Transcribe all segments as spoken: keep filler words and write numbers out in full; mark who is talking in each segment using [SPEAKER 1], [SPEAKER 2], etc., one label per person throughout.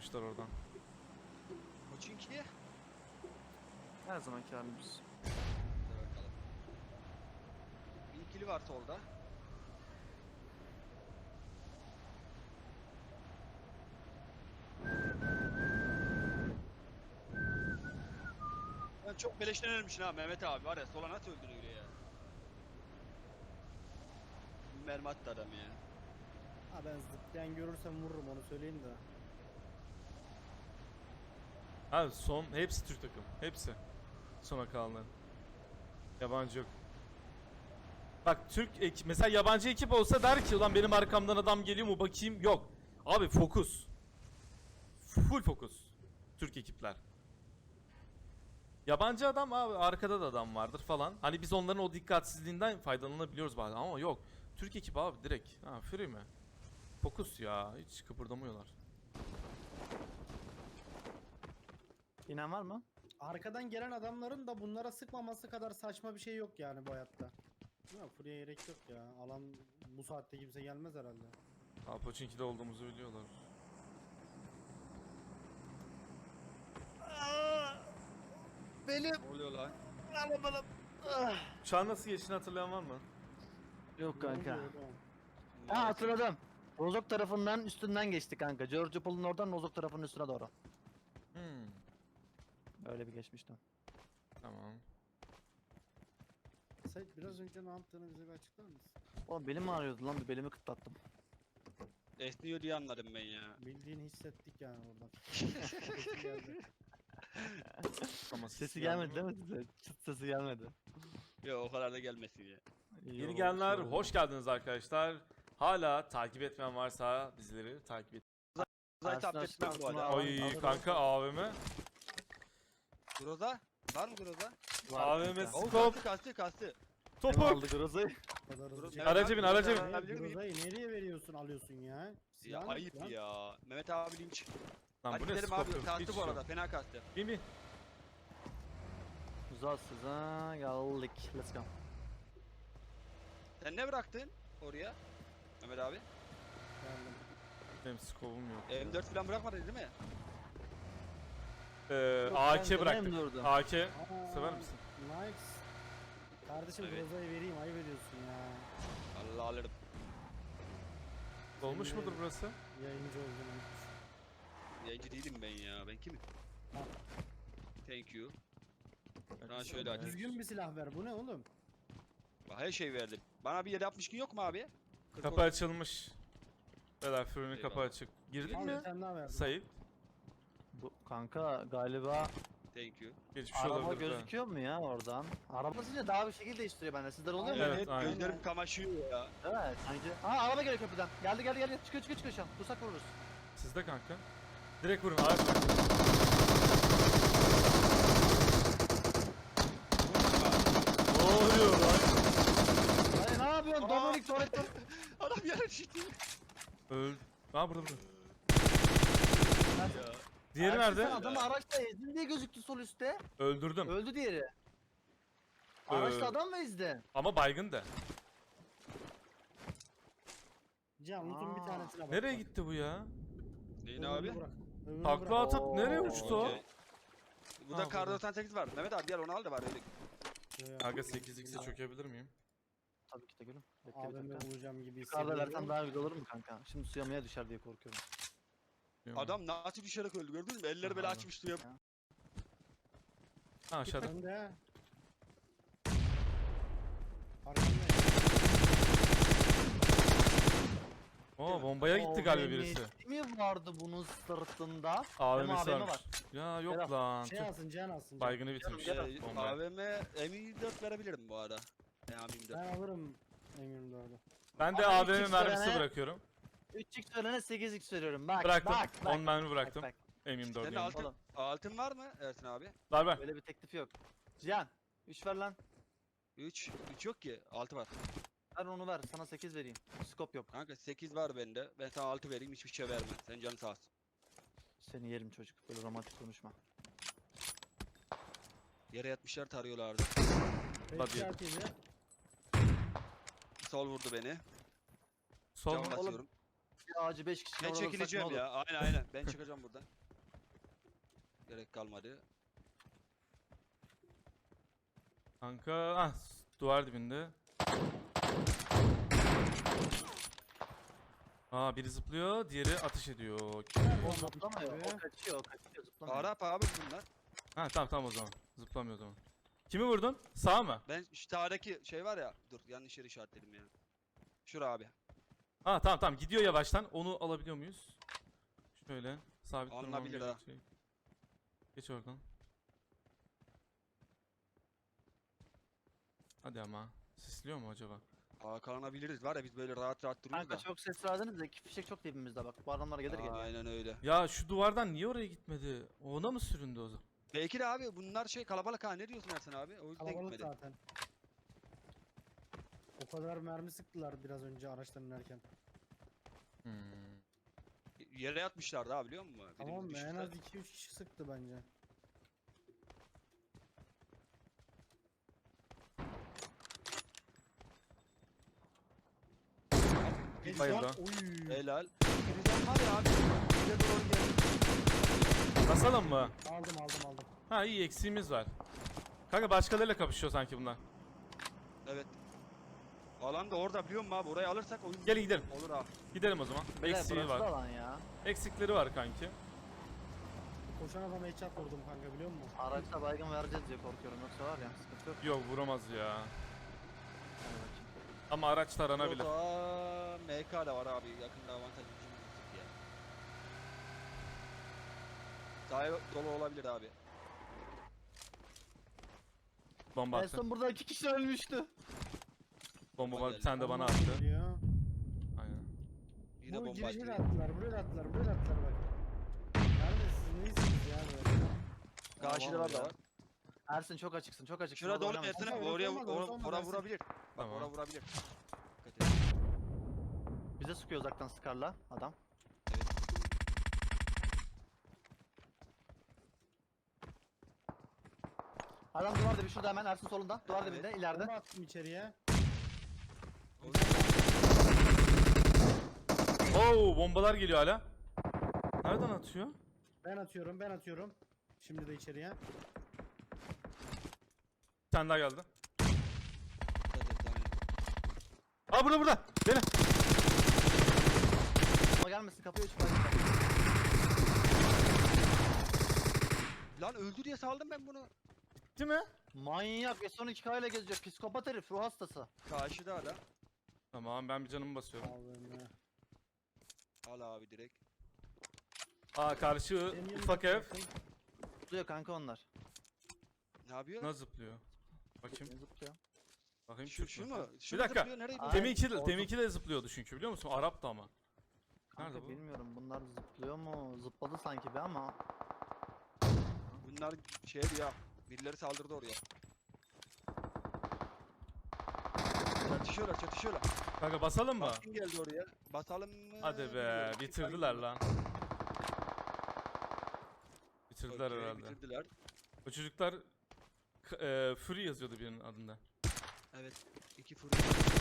[SPEAKER 1] almışlar oradan.
[SPEAKER 2] O çünkü.
[SPEAKER 3] Her zamanki halimiz.
[SPEAKER 2] Hadi bakalım. Bir ikili var solda. Ben çok beleşten ölmüşsün ha Mehmet abi var ya, sola nasıl öldürüyor ya. Mermi attı adam ya.
[SPEAKER 4] Ha ben zıplayan görürsem vururum, onu söyleyeyim de.
[SPEAKER 1] Abi son hepsi Türk takım. Hepsi. Sona kalanlar. Yabancı yok. Bak Türk ekip mesela yabancı ekip olsa der ki ulan benim arkamdan adam geliyor mu bakayım. Yok. Abi fokus. Full fokus. Türk ekipler. Yabancı adam abi arkada da adam vardır falan. Hani biz onların o dikkatsizliğinden faydalanabiliyoruz bazen ama yok. Türk ekip abi direkt. Ha free mi? Fokus ya. Hiç kıpırdamıyorlar.
[SPEAKER 3] İnan var mı?
[SPEAKER 4] Arkadan gelen adamların da bunlara sıkmaması kadar saçma bir şey yok yani bu hayatta. Ya Furya'ya gerek yok ya. Alan bu saatte kimse gelmez herhalde.
[SPEAKER 1] Ha Pochinki'de olduğumuzu biliyorlar.
[SPEAKER 3] Benim
[SPEAKER 2] Ne oluyor lan?
[SPEAKER 3] arabalım.
[SPEAKER 1] Uçağın nasıl geçtiğini hatırlayan var mı?
[SPEAKER 3] Yok
[SPEAKER 4] Ne
[SPEAKER 3] kanka.
[SPEAKER 4] oluyor oğlum?
[SPEAKER 3] Ha hatırladım. Rozok tarafından üstünden geçti kanka. George Paul'un oradan Rozok tarafının üstüne doğru.
[SPEAKER 1] Hmm.
[SPEAKER 3] Öyle bir geçmiştim.
[SPEAKER 1] Tamam.
[SPEAKER 4] Sait biraz önce ne yaptığını bize bir açıklar mısın?
[SPEAKER 3] Oğlum belim ağrıyordu lan, bir belimi kıtlattım.
[SPEAKER 2] Esniyor diye anladım ben ya.
[SPEAKER 4] Bildiğini hissettik yani oradan. Sesi geldi.
[SPEAKER 1] Ama
[SPEAKER 3] Sesi gelmedi değil mi size? Çıt sesi gelmedi.
[SPEAKER 2] Yok o kadar da gelmesin ya.
[SPEAKER 3] İyi
[SPEAKER 1] Yeni
[SPEAKER 3] oldu,
[SPEAKER 1] gelenler
[SPEAKER 3] iyi oldu.
[SPEAKER 1] hoş geldiniz arkadaşlar. Hala takip etmeyen varsa bizleri takip et.
[SPEAKER 2] Zaten
[SPEAKER 3] Aslında
[SPEAKER 2] affetmem bu
[SPEAKER 3] aslında
[SPEAKER 2] arada.
[SPEAKER 3] al-
[SPEAKER 1] Oy
[SPEAKER 3] alırım.
[SPEAKER 1] kanka A V M.
[SPEAKER 2] Groza? Var mı Groza?
[SPEAKER 3] Var
[SPEAKER 1] A V M
[SPEAKER 3] kanka.
[SPEAKER 2] Oo
[SPEAKER 1] Skop.
[SPEAKER 2] kastı kastı kastı.
[SPEAKER 3] Kim
[SPEAKER 1] Topuk.
[SPEAKER 3] aldı Groza'yı?
[SPEAKER 4] O kadar hızlı
[SPEAKER 2] Groza-
[SPEAKER 4] çek-
[SPEAKER 1] Araca bin, araca bin.
[SPEAKER 4] Hayır,
[SPEAKER 2] Alabilir miyim?
[SPEAKER 4] Groza'yı nereye veriyorsun, alıyorsun ya?
[SPEAKER 2] Ya
[SPEAKER 4] Silahın
[SPEAKER 2] ayıp
[SPEAKER 4] lan.
[SPEAKER 2] ya. Mehmet abi linç.
[SPEAKER 1] Lan
[SPEAKER 2] Hadi
[SPEAKER 1] bu ne
[SPEAKER 2] gidelim
[SPEAKER 1] skop
[SPEAKER 2] abi.
[SPEAKER 1] yok.
[SPEAKER 2] Kastı
[SPEAKER 1] Hiç
[SPEAKER 2] bu
[SPEAKER 1] yok.
[SPEAKER 2] arada. Fena kastı.
[SPEAKER 1] Bin bin.
[SPEAKER 3] Uzaksız ha geldik. Let's go.
[SPEAKER 2] Sen ne bıraktın oraya? Mehmet abi.
[SPEAKER 4] Geldim.
[SPEAKER 1] Benim skopum yok.
[SPEAKER 2] M dört falan bırakmadın değil mi?
[SPEAKER 1] Ee,
[SPEAKER 3] Yok,
[SPEAKER 1] A
[SPEAKER 3] ben
[SPEAKER 1] K
[SPEAKER 3] de
[SPEAKER 1] bıraktık.
[SPEAKER 3] benim durdum.
[SPEAKER 1] A K.
[SPEAKER 4] Aa,
[SPEAKER 1] Sever misin?
[SPEAKER 4] Nice. Kardeşim
[SPEAKER 2] Evet.
[SPEAKER 4] Groza'yı vereyim, ayıp ediyorsun ya.
[SPEAKER 2] Allah alırım.
[SPEAKER 1] Dolmuş
[SPEAKER 4] Senin
[SPEAKER 1] mudur burası?
[SPEAKER 4] Yayıncı olduğunu.
[SPEAKER 2] Yayıncı değilim ben ya. Ben kimim?
[SPEAKER 4] Ha.
[SPEAKER 2] Thank you. Bana şöyle aç.
[SPEAKER 4] Düzgün bir silah ver, bu ne oğlum?
[SPEAKER 2] Bak her şey verdim. Bana bir yedi altmış gün yok mu abi? kırk
[SPEAKER 1] Kapı
[SPEAKER 2] otuz.
[SPEAKER 1] açılmış. Beyler fırının kapı
[SPEAKER 2] Eyvallah.
[SPEAKER 1] açık. Girdin
[SPEAKER 4] Al
[SPEAKER 1] mi?
[SPEAKER 4] bir tane daha verdim.
[SPEAKER 1] Sayit.
[SPEAKER 3] Bu kanka galiba
[SPEAKER 2] Thank you.
[SPEAKER 1] Geçmiş
[SPEAKER 3] araba
[SPEAKER 1] olabilir. de.
[SPEAKER 3] gözüküyor mu ya oradan? Araba sizce daha bir şekil değiştiriyor bende. Sizler oluyor mu?
[SPEAKER 1] Evet,
[SPEAKER 2] Evet,
[SPEAKER 1] aynen.
[SPEAKER 2] gözlerim kamaşıyor ya.
[SPEAKER 3] Evet sanki. Aa araba geliyor köprüden. Geldi geldi geldi. Çıkıyor çıkıyor çıkıyor şu an. Dursak vururuz.
[SPEAKER 1] Sizde kanka. Direkt vurun. Araç bırak. Ne oluyor lan?
[SPEAKER 3] Hayır ne yapıyorsun?
[SPEAKER 2] Aa!
[SPEAKER 3] Dominik Toretto.
[SPEAKER 2] Adam yere düştü.
[SPEAKER 1] Öldü. Ha burada burada.
[SPEAKER 2] Ya.
[SPEAKER 1] Diğeri nerede?
[SPEAKER 3] Adamı araçla ezdin diye gözüktü sol üstte.
[SPEAKER 1] Öldürdüm.
[SPEAKER 3] Öldü diğeri. Araçla
[SPEAKER 1] Ee,
[SPEAKER 3] adam mı ezdi?
[SPEAKER 1] Ama baygın da.
[SPEAKER 4] Can Lut'un bir
[SPEAKER 3] Aa.
[SPEAKER 4] tanesine bak.
[SPEAKER 1] Nereye
[SPEAKER 4] bak.
[SPEAKER 1] gitti bu ya?
[SPEAKER 2] Neyin
[SPEAKER 4] Öbürünü
[SPEAKER 2] abi?
[SPEAKER 4] bırak, öbürünü
[SPEAKER 1] Takla
[SPEAKER 4] bırak.
[SPEAKER 1] atıp
[SPEAKER 3] Oo,
[SPEAKER 1] nereye uçtu o?
[SPEAKER 2] Okey. Burada
[SPEAKER 1] Ha,
[SPEAKER 2] kar
[SPEAKER 1] burada.
[SPEAKER 2] doksan sekiz var. Mehmet abi gel onu al da var öyle.
[SPEAKER 4] Yo, yo.
[SPEAKER 1] Kanka sekiz x'e çökebilir miyim?
[SPEAKER 3] Tabii ki de gülüm. Bekle bir
[SPEAKER 4] A V M
[SPEAKER 3] dakika.
[SPEAKER 4] bulacağım gibi
[SPEAKER 3] Yukarıda
[SPEAKER 4] hissediyorum.
[SPEAKER 3] versen daha güzel olur mu kanka? Şimdi suyamaya düşer diye korkuyorum.
[SPEAKER 1] Bilmiyorum.
[SPEAKER 2] Adam nasıl düşerek öldü gördün mü? Elleri böyle
[SPEAKER 1] Aha.
[SPEAKER 2] açmış suya.
[SPEAKER 1] Ha aşağıda.
[SPEAKER 4] Ben de. Arkandayım.
[SPEAKER 1] Oo bombaya gitti galiba birisi.
[SPEAKER 3] mi vardı bunun sırtında?
[SPEAKER 1] A V
[SPEAKER 3] Benim
[SPEAKER 1] M'si
[SPEAKER 3] A V M
[SPEAKER 1] varmış. Ya yok
[SPEAKER 3] Berat,
[SPEAKER 1] lan.
[SPEAKER 4] Şey
[SPEAKER 1] Tüh.
[SPEAKER 4] alsın, Can alsın. Can.
[SPEAKER 1] Baygını bitirmiş.
[SPEAKER 3] Gel,
[SPEAKER 2] Şey,
[SPEAKER 1] Bombayı.
[SPEAKER 2] A V M M yirmi dört verebilirim bu arada. M yirmi dört.
[SPEAKER 4] Ben alırım M yirmi dördü.
[SPEAKER 1] Ben de
[SPEAKER 3] Ama
[SPEAKER 1] A V M
[SPEAKER 3] üç x
[SPEAKER 1] mermisi
[SPEAKER 3] verene-
[SPEAKER 1] bırakıyorum.
[SPEAKER 3] üç x verene sekiz x veriyorum. Bak
[SPEAKER 1] Bıraktım.
[SPEAKER 3] bak bak.
[SPEAKER 1] on mermi bıraktım.
[SPEAKER 3] Bak,
[SPEAKER 1] M yirmi dört
[SPEAKER 2] Senin
[SPEAKER 1] yani.
[SPEAKER 2] altın,
[SPEAKER 3] Oğlum.
[SPEAKER 2] altın var mı Ersin abi?
[SPEAKER 1] Ver
[SPEAKER 3] bak.
[SPEAKER 1] ver.
[SPEAKER 3] Böyle bir teklifi yok. Cihan üç ver lan.
[SPEAKER 2] üç. üç yok ki. altı var.
[SPEAKER 3] Ver onu ver. Sana sekiz vereyim. Skop yok.
[SPEAKER 2] Kanka sekiz var bende. Ben sana altı vereyim hiçbir şey verme. Sen canın sağ olsun.
[SPEAKER 3] Seni yerim çocuk. Böyle romantik konuşma.
[SPEAKER 2] Yere yatmışlar tarıyorlardı.
[SPEAKER 1] Hadi.
[SPEAKER 4] Hadi.
[SPEAKER 2] Sol vurdu beni.
[SPEAKER 1] Sol
[SPEAKER 2] Can
[SPEAKER 1] mu?
[SPEAKER 2] basıyorum.
[SPEAKER 3] Bir ağacı beş kişi
[SPEAKER 2] Ben
[SPEAKER 3] vurursak ne
[SPEAKER 2] çekileceğim
[SPEAKER 3] olur?
[SPEAKER 2] ya. Aynen aynen. Ben çıkacağım buradan. Gerek kalmadı.
[SPEAKER 1] Kanka ah duvar dibinde. Aa biri zıplıyor, diğeri atış ediyor.
[SPEAKER 3] O zıplamıyor. O kaçıyor. O kaçıyor. Zıplamıyor.
[SPEAKER 2] Arap abi bunlar.
[SPEAKER 1] Ha tamam tamam o zaman. Zıplamıyor o zaman. Kimi vurdun? Sağ mı?
[SPEAKER 2] Ben şu sağdaki şey var ya. Dur yanlış yeri işaretledim ya. Şura abi.
[SPEAKER 1] Ha tamam tamam gidiyor yavaştan. Onu alabiliyor muyuz? Şöyle sabit durmam
[SPEAKER 2] Alınabilir ha.
[SPEAKER 1] gerekecek. Geç oradan. Hadi ama. Sisliyor mu acaba?
[SPEAKER 2] Hakanlanabiliriz var ya biz böyle rahat rahat duruyoruz
[SPEAKER 3] Kanka
[SPEAKER 2] da.
[SPEAKER 3] çok ses verdiniz de iki fişek çok dibimizde bak. Bu adamlar gelir geliyor.
[SPEAKER 2] Aynen öyle.
[SPEAKER 1] Ya şu duvardan niye oraya gitmedi? Ona mı süründü o zaman?
[SPEAKER 2] Belki de abi bunlar şey kalabalık ha ne diyorsun Ersen abi? O yüzden
[SPEAKER 4] Kalabalık
[SPEAKER 2] gitmedi.
[SPEAKER 4] zaten. O kadar mermi sıktılar biraz önce araçtan inerken.
[SPEAKER 1] Hmm.
[SPEAKER 2] Yere yatmışlardı abi biliyor musun? Birimiz
[SPEAKER 4] Tamam mı? En
[SPEAKER 2] düştü.
[SPEAKER 4] az iki üç kişi sıktı bence.
[SPEAKER 2] Bir
[SPEAKER 1] Bayıldı.
[SPEAKER 4] Oy.
[SPEAKER 2] Helal. Birden var ya abi. Bize doğru geldi.
[SPEAKER 1] Basalım mı?
[SPEAKER 4] Aldım aldım aldım.
[SPEAKER 1] Ha iyi eksiğimiz var. Kanka başkalarıyla kapışıyor sanki bunlar.
[SPEAKER 2] Evet. Alan da orada biliyor musun abi? Orayı alırsak oyun
[SPEAKER 1] Gel gidelim.
[SPEAKER 2] olur abi.
[SPEAKER 1] Gidelim o zaman.
[SPEAKER 3] Beyler,
[SPEAKER 1] Eksiği
[SPEAKER 3] burası da
[SPEAKER 1] var.
[SPEAKER 3] alan ya.
[SPEAKER 1] Eksikleri var kanki.
[SPEAKER 4] Koşan adama headshot vurdum kanka biliyor musun?
[SPEAKER 3] Araçta baygın vereceğiz diye korkuyorum. Yoksa var ya sıkıntı yok.
[SPEAKER 1] Yok vuramaz ya.
[SPEAKER 3] Hadi bakayım.
[SPEAKER 1] Ama araç taranabilir.
[SPEAKER 2] Orada M K da var abi. Yakında avantaj gücümüz ya. Sahaya dolu olabilir abi.
[SPEAKER 1] Bomba
[SPEAKER 3] En
[SPEAKER 1] attı.
[SPEAKER 3] son burada iki kişi ölmüştü.
[SPEAKER 1] Bomba var.
[SPEAKER 2] geldi.
[SPEAKER 1] Sen de bana
[SPEAKER 4] Allah
[SPEAKER 1] attı.
[SPEAKER 4] geliyor.
[SPEAKER 1] Aynen.
[SPEAKER 2] Yine
[SPEAKER 4] Bu
[SPEAKER 2] bomba
[SPEAKER 4] girişe de
[SPEAKER 2] attı.
[SPEAKER 4] attılar, buraya da attılar, buraya da attılar bak. Yani siz neysiniz ya böyle?
[SPEAKER 2] Karşıda
[SPEAKER 3] ya.
[SPEAKER 2] da var.
[SPEAKER 3] Ersin çok açıksın çok açıksın.
[SPEAKER 2] Şurada
[SPEAKER 3] orada
[SPEAKER 2] dolu
[SPEAKER 3] oynama.
[SPEAKER 2] Ersin abi.
[SPEAKER 4] Orası
[SPEAKER 2] Oraya
[SPEAKER 4] olmaz,
[SPEAKER 2] or,
[SPEAKER 4] orası olmaz
[SPEAKER 2] ora
[SPEAKER 4] Ersin.
[SPEAKER 2] vurabilir. Bak
[SPEAKER 1] Tamam.
[SPEAKER 2] ora vurabilir. Dikkat et.
[SPEAKER 3] Bize sıkıyor uzaktan Scar'la adam. Adam duvar dibi şurada hemen Ersin solunda. Duvar
[SPEAKER 2] Evet.
[SPEAKER 3] dibinde ileride.
[SPEAKER 4] Bomba attım içeriye.
[SPEAKER 1] Oo bombalar geliyor hala. Nereden atıyor?
[SPEAKER 4] Ben atıyorum, ben atıyorum. Şimdi de içeriye.
[SPEAKER 1] Bir tane daha geldi.
[SPEAKER 2] Dikkat et yani.
[SPEAKER 1] Aa burada burada. Beni.
[SPEAKER 3] Ama gelmesin kapıyı açıp baygın.
[SPEAKER 2] Lan öldü diye saldım ben bunu.
[SPEAKER 1] Değil mi?
[SPEAKER 3] Manyak S on iki K ile geziyor. Psikopat herif ruh hastası.
[SPEAKER 2] Karşıda hala.
[SPEAKER 1] Tamam ben bir canımı basıyorum.
[SPEAKER 4] Allah'ım.
[SPEAKER 2] Al abi direkt.
[SPEAKER 1] Aa karşı
[SPEAKER 4] Benim
[SPEAKER 1] ufak
[SPEAKER 4] yanımda
[SPEAKER 1] ev.
[SPEAKER 3] Zıplıyor kanka onlar.
[SPEAKER 2] Ne yapıyor?
[SPEAKER 1] Nasıl zıplıyor? Bakayım.
[SPEAKER 3] Zıplıyor.
[SPEAKER 1] Bakayım
[SPEAKER 2] Şu,
[SPEAKER 1] Türk
[SPEAKER 2] şu
[SPEAKER 1] mü?
[SPEAKER 2] mu? Şu
[SPEAKER 1] Bir dakika.
[SPEAKER 2] zıplıyor, nereye
[SPEAKER 3] Ay,
[SPEAKER 2] gidiyor?
[SPEAKER 1] Teminki de,
[SPEAKER 3] orada-
[SPEAKER 1] teminki de zıplıyordu çünkü biliyor musun? Arap'tı ama.
[SPEAKER 3] Kanka
[SPEAKER 1] Nerede bu?
[SPEAKER 3] bilmiyorum bunlar zıplıyor mu? Zıpladı sanki bir ama.
[SPEAKER 2] Bunlar şeydi ya. Birileri saldırdı oraya. Çatışıyorlar çatışıyorlar.
[SPEAKER 1] Kanka basalım mı?
[SPEAKER 2] Kim geldi oraya? Basalım mı?
[SPEAKER 1] Hadi be
[SPEAKER 2] Bilmiyorum.
[SPEAKER 1] bitirdiler lan. Bitirdiler
[SPEAKER 2] Okey,
[SPEAKER 1] herhalde.
[SPEAKER 2] Bitirdiler.
[SPEAKER 1] O çocuklar k- e, Fury yazıyordu birinin adında.
[SPEAKER 2] Evet. İki fırın.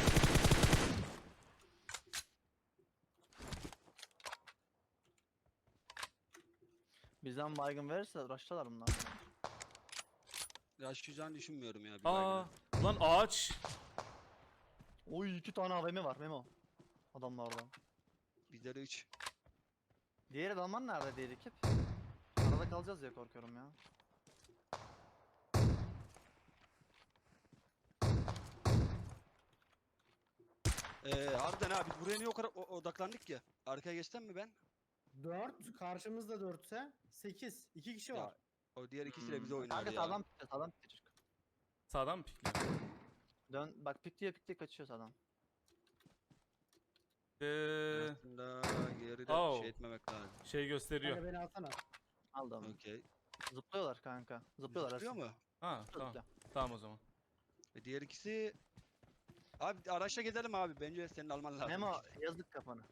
[SPEAKER 3] Bizden baygın verirse rush'talar bunlar.
[SPEAKER 2] Yaşayacağını düşünmüyorum ya. Bir
[SPEAKER 1] Aa
[SPEAKER 2] baygını.
[SPEAKER 1] lan ağaç.
[SPEAKER 3] Oy iki tane A V M var Memo. Adamlarda.
[SPEAKER 2] Bizde de üç.
[SPEAKER 3] Diğer adamlar nerede diğer ekip? Arada kalacağız diye korkuyorum ya.
[SPEAKER 2] Ee, harbiden abi biz buraya niye o kadar o- odaklandık ki? Arkaya geçsem mi ben?
[SPEAKER 4] dört, karşımızda dörtse sekiz. iki kişi
[SPEAKER 2] Ya,
[SPEAKER 4] var.
[SPEAKER 2] O diğer ikisi de bize oynadı
[SPEAKER 3] Kanka
[SPEAKER 2] ya.
[SPEAKER 3] sağdan pikliyor sağdan pikliyor çocuk.
[SPEAKER 1] Sağdan mı pikliyor?
[SPEAKER 3] Dön bak pikliyor pikliyor kaçıyor sağdan.
[SPEAKER 1] Eee
[SPEAKER 2] Aslında geride
[SPEAKER 1] Oh.
[SPEAKER 2] şey etmemek lazım.
[SPEAKER 1] şey gösteriyor.
[SPEAKER 4] Kanka beni alsana.
[SPEAKER 3] Aldım.
[SPEAKER 2] Okey.
[SPEAKER 3] Zıplıyorlar kanka. Zıplıyorlar
[SPEAKER 2] Zıplıyor
[SPEAKER 3] Ersin.
[SPEAKER 2] mu?
[SPEAKER 1] Ha tamam.
[SPEAKER 3] Zıplıyor.
[SPEAKER 1] Tamam o zaman.
[SPEAKER 2] Ve diğer ikisi... Abi araçla gezelim abi. Bence senin alman lazım.
[SPEAKER 3] Memo yazık kafanı.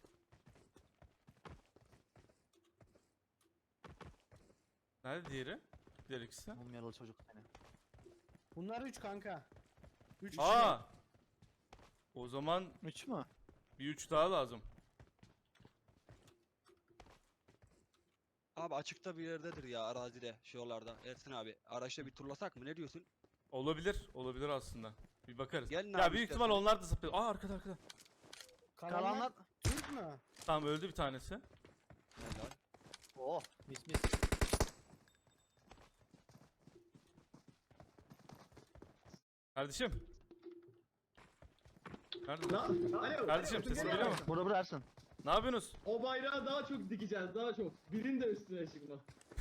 [SPEAKER 1] Nerede diğeri? Diğer ikisi.
[SPEAKER 3] Mumyalı çocuk seni.
[SPEAKER 4] Bunlar üç kanka. üç kişi.
[SPEAKER 1] Aa! O zaman
[SPEAKER 3] Üç mü?
[SPEAKER 1] bir üç daha lazım.
[SPEAKER 2] Abi açıkta bir yerdedir ya arazide şu yollarda. Ersin abi araçla bir turlasak mı ne diyorsun?
[SPEAKER 1] Olabilir. Olabilir aslında. Bir bakarız.
[SPEAKER 2] Gelin
[SPEAKER 1] ya
[SPEAKER 2] abi
[SPEAKER 1] büyük
[SPEAKER 2] istersen.
[SPEAKER 1] ihtimal onlar da zıplıyor. Aa arkada arkada.
[SPEAKER 4] Kalanlar
[SPEAKER 3] Kalanlar...
[SPEAKER 4] Türk mü?
[SPEAKER 1] Tamam öldü bir tanesi.
[SPEAKER 2] Helal.
[SPEAKER 3] Oh mis mis.
[SPEAKER 1] Kardeşim. Nerede?
[SPEAKER 5] Lan, alo.
[SPEAKER 1] Kardeşim,
[SPEAKER 5] alo,
[SPEAKER 1] sesim
[SPEAKER 5] geliyor
[SPEAKER 1] geliyor
[SPEAKER 5] musun?
[SPEAKER 1] mu?
[SPEAKER 3] Burada Ersin.
[SPEAKER 1] Ne yapıyorsunuz?
[SPEAKER 5] O bayrağı daha çok dikeceğiz, daha çok. Birin de üstüne çıkma.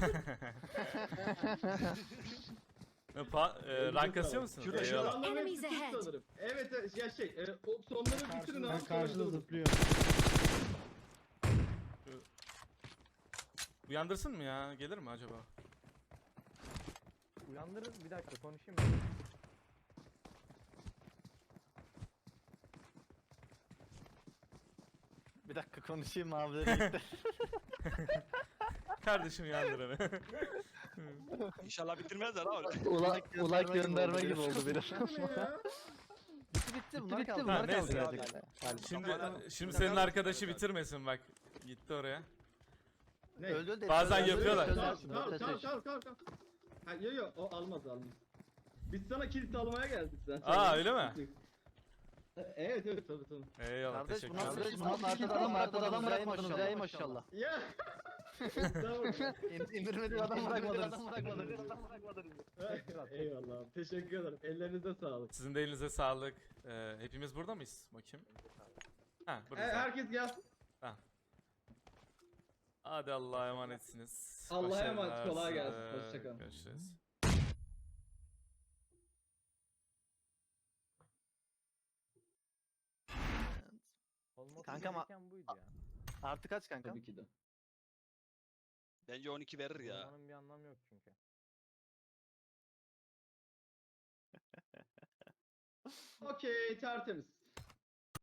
[SPEAKER 1] E, pa e, rank kasıyor musun?
[SPEAKER 2] Şurada,
[SPEAKER 1] Eyvallah.
[SPEAKER 2] şurada.
[SPEAKER 5] Adamların
[SPEAKER 6] Enemies
[SPEAKER 5] hepsi Türk
[SPEAKER 6] ahead.
[SPEAKER 5] sanırım. Evet, evet, ya şey, e, o sonları bitirin
[SPEAKER 4] Ben
[SPEAKER 5] abi.
[SPEAKER 4] karşıda
[SPEAKER 5] sonra
[SPEAKER 4] zıplıyorum.
[SPEAKER 1] Uyandırsın mı ya? Gelir mi acaba?
[SPEAKER 7] Uyandırın bir dakika konuşayım.
[SPEAKER 3] Bir dakika konuşayım abileri gitti.
[SPEAKER 1] Kardeşim uyandır beni.
[SPEAKER 2] İnşallah bitirmezler abi.
[SPEAKER 3] Ulak, ulak gönderme gibi oldu biraz.
[SPEAKER 5] ya.
[SPEAKER 3] bitti bitti bunlar kaldı.
[SPEAKER 1] Ha,
[SPEAKER 3] Bunlar kaldı
[SPEAKER 1] neyse.
[SPEAKER 3] gerçekten. Hadi.
[SPEAKER 1] Şimdi
[SPEAKER 2] Tamam.
[SPEAKER 1] şimdi senin arkadaşı bitirmesin bak. Gitti oraya.
[SPEAKER 5] Ne?
[SPEAKER 3] Öldü öldü.
[SPEAKER 1] Bazen
[SPEAKER 3] Öldü,
[SPEAKER 1] yapıyorlar.
[SPEAKER 3] öldü,
[SPEAKER 5] Tamam,
[SPEAKER 3] öldü,
[SPEAKER 5] tamam,
[SPEAKER 3] öldü,
[SPEAKER 5] tamam,
[SPEAKER 3] öldü.
[SPEAKER 5] tamam, tamam, tamam. Ha, yo yo, o almaz, almaz. Biz sana kilit almaya geldik zaten.
[SPEAKER 1] Aa, öyle mi?
[SPEAKER 5] Evet, evet, tabii, tabii.
[SPEAKER 1] Eyvallah
[SPEAKER 3] Kardeş
[SPEAKER 1] teşekkür
[SPEAKER 3] bu nasıl
[SPEAKER 1] ederim.
[SPEAKER 3] bu nasıl arkada adam arkada adam bırakmadınız ya maşallah.
[SPEAKER 5] Ya. Tamam.
[SPEAKER 3] İn- İndirmediği adam bırakmadınız.
[SPEAKER 5] Eyvallah abi, teşekkür ederim. Ellerinize sağlık.
[SPEAKER 1] Sizin de elinize sağlık. Ee, hepimiz burada mıyız? Bakayım. Ha
[SPEAKER 5] E,
[SPEAKER 1] buradayız.
[SPEAKER 5] herkes gelsin.
[SPEAKER 1] Hadi Allah'a emanetsiniz.
[SPEAKER 5] Allah'a emanet,
[SPEAKER 1] Başarılar
[SPEAKER 5] kolay gelsin.
[SPEAKER 1] size.
[SPEAKER 5] Hoşça kalın.
[SPEAKER 1] Görüşürüz.
[SPEAKER 7] Olması
[SPEAKER 3] Kanka ama-
[SPEAKER 7] gereken buydu ya.
[SPEAKER 3] Artı kaç kanka?
[SPEAKER 5] Tabii ki de.
[SPEAKER 2] Bence on iki verir ya.
[SPEAKER 7] Olmanın bir anlamı yok çünkü.
[SPEAKER 5] Okey, tertemiz.